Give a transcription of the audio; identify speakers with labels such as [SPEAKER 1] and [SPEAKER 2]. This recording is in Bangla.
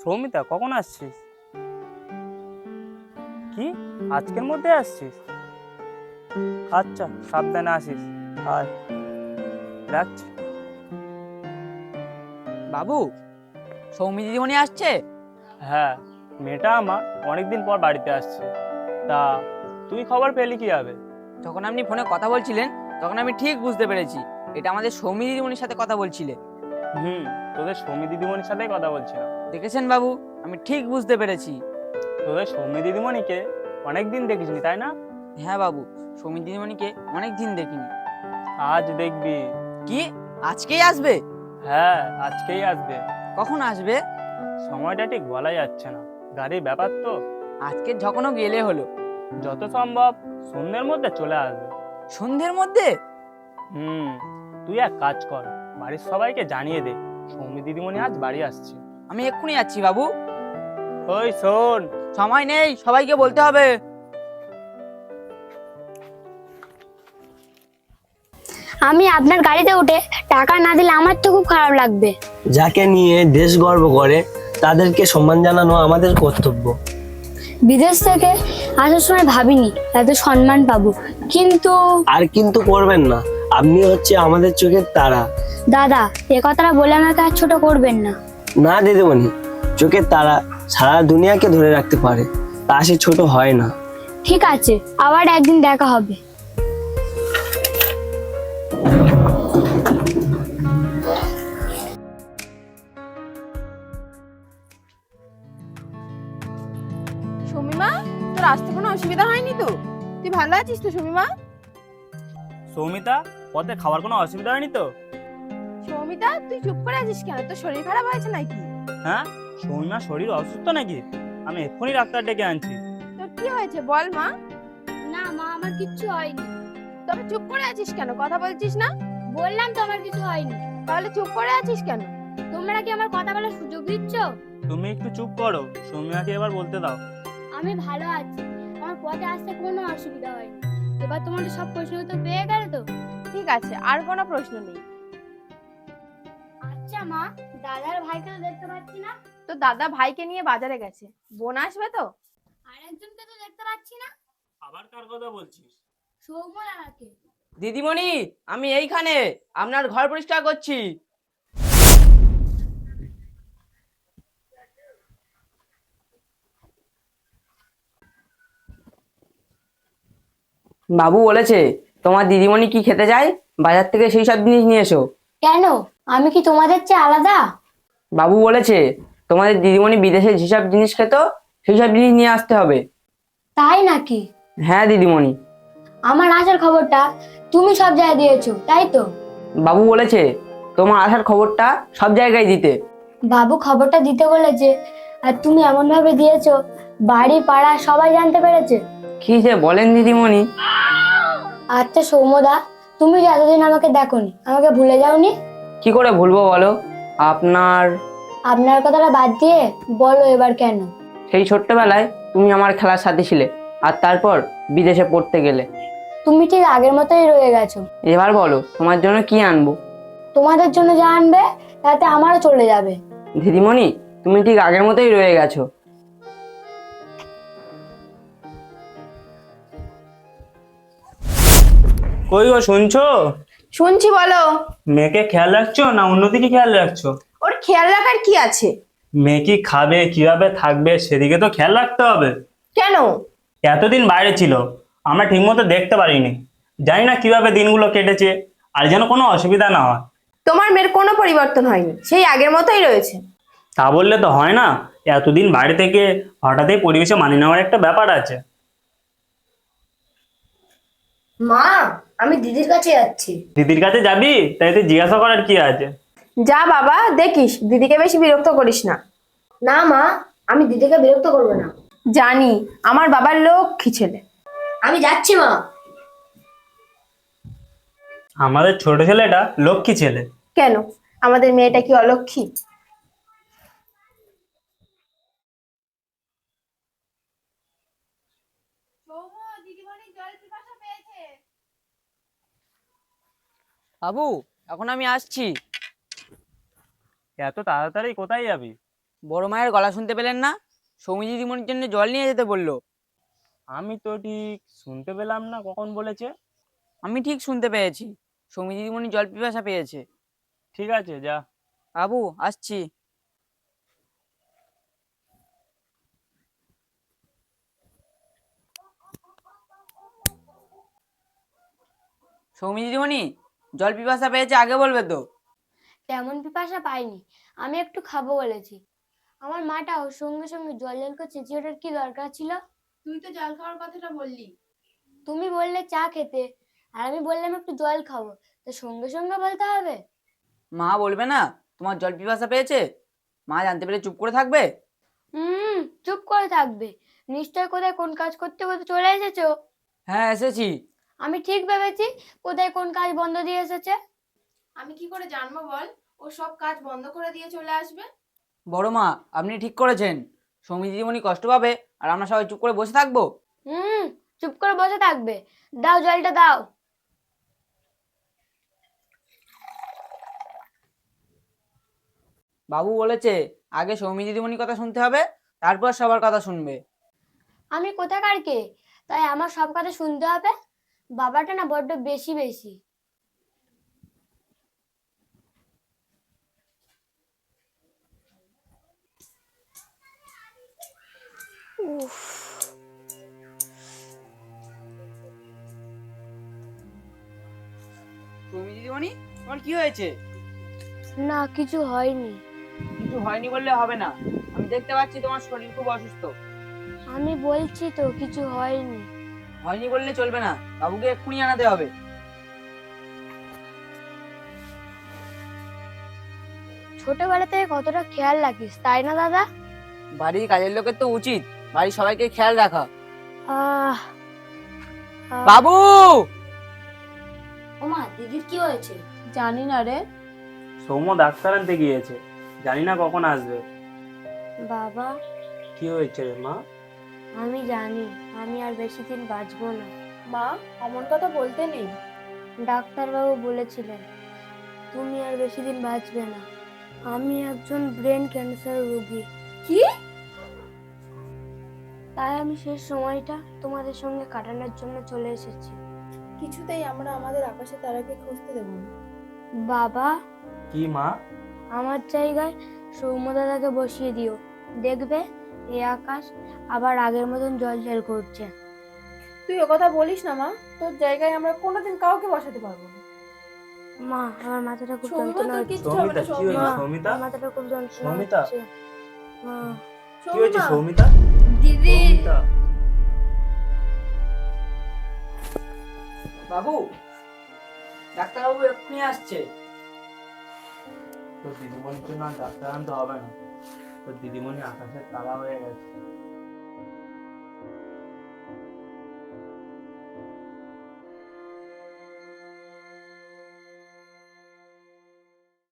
[SPEAKER 1] সৌমিতা, কখন আসছিস? কি, আজকের মধ্যে আসছিস? আচ্ছা, সাবধানে আসিস। আর রাখছি।
[SPEAKER 2] বাবু, সৌমি দিদিমণি আসছে?
[SPEAKER 1] হ্যাঁ, মেয়েটা আমার অনেকদিন পর বাড়িতে আসছে। তা তুই খবর পেলি কিভাবে?
[SPEAKER 2] যখন আপনি ফোনে কথা বলছিলেন তখন আমি ঠিক বুঝতে পেরেছি এটা আমাদের সৌমি দিদিমণির সাথে কথা বলছিলে।
[SPEAKER 1] তোদের সৌমি দিদিমণির সাথেই কথা বলছিলাম।
[SPEAKER 2] দেখেছেন বাবু, আমি ঠিক বুঝতে পেরেছি।
[SPEAKER 1] তোদের সৌমি দিদিমণিকে অনেকদিন দেখিসনি, তাই না?
[SPEAKER 2] হ্যাঁ বাবু, সৌমি দিদিমণিকে অনেক দিন দেখিনি।
[SPEAKER 1] আজ দেখবি।
[SPEAKER 2] কি, আজকেই আসবে?
[SPEAKER 1] হ্যাঁ, আজকেই আসবে।
[SPEAKER 2] কখন আসবে?
[SPEAKER 1] সময়টা ঠিক বলা যাচ্ছে না, গাড়ির ব্যাপার তো।
[SPEAKER 2] আজকে যখনও গেলে হলো।
[SPEAKER 1] যত সম্ভব সন্ধ্যের মধ্যে চলে আসবে।
[SPEAKER 2] সন্ধ্যের মধ্যে?
[SPEAKER 1] হুম তুই এক কাজ কর, বাড়ির সবাইকে জানিয়ে দে সৌমি দিদিমণি আজ বাড়ি আসছে।
[SPEAKER 2] আমি এক্ষুনি যাচ্ছি বাবু।
[SPEAKER 1] ওই শোন।
[SPEAKER 2] সময় নেই, সবাইকে বলতে হবে।
[SPEAKER 3] আমি আপনার গাড়িতে উঠে টাকা না দিলে আমার তো খুব খারাপ লাগবে।
[SPEAKER 4] যাকে নিয়ে দেশ গর্ব করে তাদেরকে সম্মান জানানো আমাদের কর্তব্য।
[SPEAKER 3] বিদেশ থেকে আসার সময় ভাবিনি এত সম্মান পাবো, কিন্তু
[SPEAKER 4] আর কিন্তু করবেন না, আপনি হচ্ছে আমাদের চোখের তারা।
[SPEAKER 3] দাদা, এ কথাটা বলে আমাকে আর ছোট করবেন না।
[SPEAKER 4] না দিদিমণি, চোখের তারা সারা দুনিয়াকে ধরে রাখতে পারে, তা সে ছোট হয় না।
[SPEAKER 3] ঠিক আছে, আবার একদিন দেখা হবে।
[SPEAKER 5] শমিমা, তোর আসতে কোনো অসুবিধা হয়নি তো? তুই ভালো আছিস তো শমিমা?
[SPEAKER 1] সৌমিতা, পথে খাওয়ার কোনো অসুবিধা হয়নি তো?
[SPEAKER 5] সৌমিতা, তুই চুপ করে আছিস কেন? তোর শরীর খারাপ হয়েছে নাকি?
[SPEAKER 1] হ্যাঁ, সৌমিমার শরীর অসুস্থ নাকি? আমি এক্ষুনি ডাক্তার ডেকে আনছি।
[SPEAKER 5] তোর কি হয়েছে বল মা।
[SPEAKER 3] না মা, আমার কিচ্ছু হয়নি।
[SPEAKER 5] তবে চুপ করে আছিস কেন? কথা বলছিস না?
[SPEAKER 3] বললাম তো আমার কিছু হয়নি।
[SPEAKER 5] তাহলে চুপ করে আছিস কেন?
[SPEAKER 3] তোমরা কি আমার কথা বলার সুযোগ দিচ্ছ?
[SPEAKER 1] তুমি একটু চুপ করো, সৌমিয়াকে এবার বলতে দাও।
[SPEAKER 3] আমি ভালো আছি, আমার পথে আসতে কোনো অসুবিধা হয়নি। এবার তোমাদের সব প্রশ্ন তো পেয়ে গেলে তো?
[SPEAKER 5] ঠিক আছে, আর কোনো প্রশ্ন নেই।
[SPEAKER 3] আচ্ছা মা, দাদার ভাইকে তো দেখতে পাচ্ছি না।
[SPEAKER 5] তো দাদা ভাইকে নিয়ে বাজারে গেছে। বোন আসবে তো?
[SPEAKER 3] আর একজনকে তো দেখতে পাচ্ছি না।
[SPEAKER 1] আবার কার কথা বলছিস?
[SPEAKER 3] সৌম্যকে।
[SPEAKER 2] দিদিমণি, আমি এইখানে আপনার ঘর পরিষ্কার করছি। বাবু বলেছে তোমার দিদিমণি কি খেতে চায়, বাজার থেকে সেই সব জিনিস নিয়ে এসো।
[SPEAKER 3] কেন, আমি কি তোমাদের চেয়ে আলাদা?
[SPEAKER 2] বাবু বলেছে তোমাদের দিদিমণি বিদেশে যেসব জিনিস খেত সেই সব জিনিস নিয়ে আসতে হবে।
[SPEAKER 3] তাই নাকি?
[SPEAKER 2] হ্যাঁ দিদিমণি।
[SPEAKER 3] আমার আসার খবরটা তুমি সব জায়গায় দিয়েছো, তাই তো?
[SPEAKER 2] বাবু বলেছে তোমার আসার খবরটা সব জায়গায় দিতে।
[SPEAKER 3] বাবু খবরটা দিতে বলেছে, আর তুমি এমন ভাবে দিয়েছো বাড়ি পাড়া সবাই জানতে পেরেছে।
[SPEAKER 2] কি যে বলেন দিদিমণি।
[SPEAKER 3] আচ্ছা সৌম্যদা, তুমি যে এতদিন আমাকে দেখোনি, আমাকে ভুলে যাওনি?
[SPEAKER 2] কি করে ভুলবো বলো? আপনার
[SPEAKER 3] আপনার কথাটা বাদ দিয়ে বলো এবার কেন?
[SPEAKER 2] সেই ছোট্টবেলায় তুমি আমার খেলার সাথী ছিলে, আর তারপর বিদেশে পড়তে গেলে।
[SPEAKER 3] তুমি ঠিক আগের মতোই রয়ে গেছো।
[SPEAKER 2] এবার বলো তোমার জন্য কি আনবো।
[SPEAKER 3] তোমাদের জন্য যা আনবে তাতে আমারও চলে যাবে।
[SPEAKER 2] দিদিমণি, তুমি ঠিক আগের মতোই রয়ে গেছো।
[SPEAKER 1] কই গো, শুনছো?
[SPEAKER 5] শুনছি, বলো।
[SPEAKER 1] মেয়েকে খেয়াল রাখছো না অন্যদিকে খেয়াল রাখছো?
[SPEAKER 5] ওর খেয়াল রাখার কি আছে?
[SPEAKER 1] মেয়ে কি খাবে, কিভাবে থাকবে, সেদিকে তো খেয়াল রাখতে হবে।
[SPEAKER 5] কেন?
[SPEAKER 1] এতদিন বাইরে ছিল, আমরা ঠিকমতো দেখতে পারিনি। জানি না কিভাবে দিনগুলো কেটেছে, আর যেন কোনো অসুবিধা না হয়।
[SPEAKER 5] তোমার মেয়ের কোনো পরিবর্তন হয়নি, সেই আগের মতোই রয়েছে।
[SPEAKER 1] তা বললে তো হয় না, এতদিন বাইরে থেকে হঠাৎই পরিবেশে মানিয়ে নেওয়ার একটা ব্যাপার আছে।
[SPEAKER 3] মা, আমি দিদির কাছে যাচ্ছি।
[SPEAKER 1] দিদির কাছে যাবি? তাই তুই জিজ্ঞাসা করার কি আছে?
[SPEAKER 5] যা বাবা, দেখিস দিদিকে বেশি বিরক্ত করিস না।
[SPEAKER 3] না মা, আমি দিদিকে বিরক্ত করবো না।
[SPEAKER 5] জানি, আমার বাবার লক্ষ্মী ছেলে।
[SPEAKER 3] আমি যাচ্ছি মা।
[SPEAKER 1] আমাদের ছোট ছেলেটা লক্ষ্মী ছেলে।
[SPEAKER 5] কেন, আমাদের মেয়েটা কি অলক্ষ্মী?
[SPEAKER 2] বাবু, এখন আমি আসছি।
[SPEAKER 1] এত তাড়াতাড়ি কোথায় যাবি?
[SPEAKER 2] বড় মায়ের গলা শুনতে পেলেন না? সৌমি দিদিমণির জন্য জল নিয়ে যেতে বললো।
[SPEAKER 1] আমি তো ঠিক শুনতে পেলাম না কখন বলেছে।
[SPEAKER 2] আমি ঠিক শুনতে পেয়েছি, সৌমি দিদিমণি জল পিপাসা পেয়েছে।
[SPEAKER 1] ঠিক আছে, যা।
[SPEAKER 2] বাবু আসছি। সৌমি দিদিমণি জল পিপাসা পেয়েছে, আগে বলবে তো।
[SPEAKER 3] তেমন পিপাসা পাইনি, আমি একটু খাবো বলেছি। আমার মাটাও সঙ্গে সঙ্গে জল জল করে চেঁচিয়ে ওঠার কি দরকার ছিল?
[SPEAKER 5] তুই তো জল খাওয়ার কথাটা বললি।
[SPEAKER 3] তুমি বললে চা খেতে, আর আমি বললাম একটু জল খাবো, তো সঙ্গে সঙ্গে বলতে হবে?
[SPEAKER 2] মা বলবে না তোমার জল পিপাসা পেয়েছে? মা জানতে পেরে চুপ করে থাকবে?
[SPEAKER 3] চুপ করে থাকবে? নিশ্চয় কোথায় কোন কাজ করতে করতে চলে এসেছো।
[SPEAKER 2] হ্যাঁ এসেছি।
[SPEAKER 3] আমি ঠিক ভেবেছি কোথায় কোন কাজ বন্ধ দিয়ে এসেছে।
[SPEAKER 5] আমি কি করে জানবো বল? ও সব কাজ বন্ধ করে দিয়ে চলে আসবে।
[SPEAKER 2] বড় মা আপনি ঠিক করেছেন, সৌমি দিদিমণি কষ্ট পাবে আর আমরা সবাই চুপ করে বসে থাকবো।
[SPEAKER 3] হুম চুপ করে বসে থাকবে? দাও জলটা দাও।
[SPEAKER 2] বাবু বলেছে আগে সৌমি দিদিমণির কথা শুনতে হবে, তারপর সবার কথা শুনবে।
[SPEAKER 3] আমি কোথাকার কে, তাই আমার সব কথা শুনতে হবে? বাবাটা না বড্ড বেশি বেশি।
[SPEAKER 2] সৌমি দিদিমণি তোমার কি হয়েছে?
[SPEAKER 3] না কিছু হয়নি।
[SPEAKER 2] কিছু হয়নি বললে হবে না, আমি দেখতে পাচ্ছি তোমার শরীর খুব অসুস্থ।
[SPEAKER 3] আমি বলছি তো কিছু হয়নি।
[SPEAKER 2] হয়নি বললে চলবে না, বাবুকে এক্ষুনি আনাতে হবে।
[SPEAKER 3] ছোটবেলা থেকে কতটা খেয়াল রাখিস তাই না দাদা?
[SPEAKER 2] বাড়ির কাজের লোকের তো উচিত বাড়ির সবাইকে খেয়াল রাখা।
[SPEAKER 3] আহ
[SPEAKER 2] বাবু!
[SPEAKER 3] ওমা দিদির কি হয়েছে?
[SPEAKER 5] জানি না রে।
[SPEAKER 1] সৌম্য ডাক্তার আনতে গিয়েছে, জানি না কখন আসবে।
[SPEAKER 3] বাবা
[SPEAKER 1] কি হয়েছে রে মা?
[SPEAKER 3] আমি জানি আমি আর বেশি দিন বাঁচবো না।
[SPEAKER 5] মা, অমন কথা বলতে নেই।
[SPEAKER 3] ডাক্তারবাবু বলেছিলেন তুমি আর বেশি দিন বাঁচবে না। আমি একজন ব্রেন ক্যান্সার রোগী।
[SPEAKER 5] কি?
[SPEAKER 3] তাই আমি শেষ সময়টা তোমাদের সঙ্গে কাটানোর জন্য চলে এসেছি।
[SPEAKER 5] কিছুতেই আমরা আমাদের আকাশে তারাকে খুঁজতে দেবো না।
[SPEAKER 3] বাবা
[SPEAKER 1] কি মা?
[SPEAKER 3] আমার জায়গায় সৌম্য দাদাকে বসিয়ে দিও, দেখবে এই আকাশ আবার আগের মতন জল করছে।
[SPEAKER 5] তুই ও কথা বলিস না মা, তোর জায়গায় আমরা কোনোদিন কাউকে বসাতে পারবো না।
[SPEAKER 3] মা আমার মাথাটা খুব
[SPEAKER 5] সৌমিমা,
[SPEAKER 3] যন্ত্রণা
[SPEAKER 5] তোর
[SPEAKER 3] হচ্ছে।
[SPEAKER 5] কিচ্ছু হবে না।
[SPEAKER 1] সৌমিতা, কি হয়েছে
[SPEAKER 3] মা,
[SPEAKER 1] সৌমিতা?
[SPEAKER 3] আমার মাথাটা খুব যন্ত্রণা
[SPEAKER 1] সৌমিতা?
[SPEAKER 3] হচ্ছে। মা
[SPEAKER 1] কি হয়েছে
[SPEAKER 5] সৌমিমা,
[SPEAKER 1] সৌমিতা?
[SPEAKER 5] দিদি।
[SPEAKER 1] সৌমিতা?
[SPEAKER 2] বাবু, ডাক্তারবাবু এক্ষুনি আসছে।
[SPEAKER 1] তোর দিদিমণির জন্য আর ডাক্তার আনতে হবে না, তোর দিদিমণি আকাশের তারা হয়ে গেছে।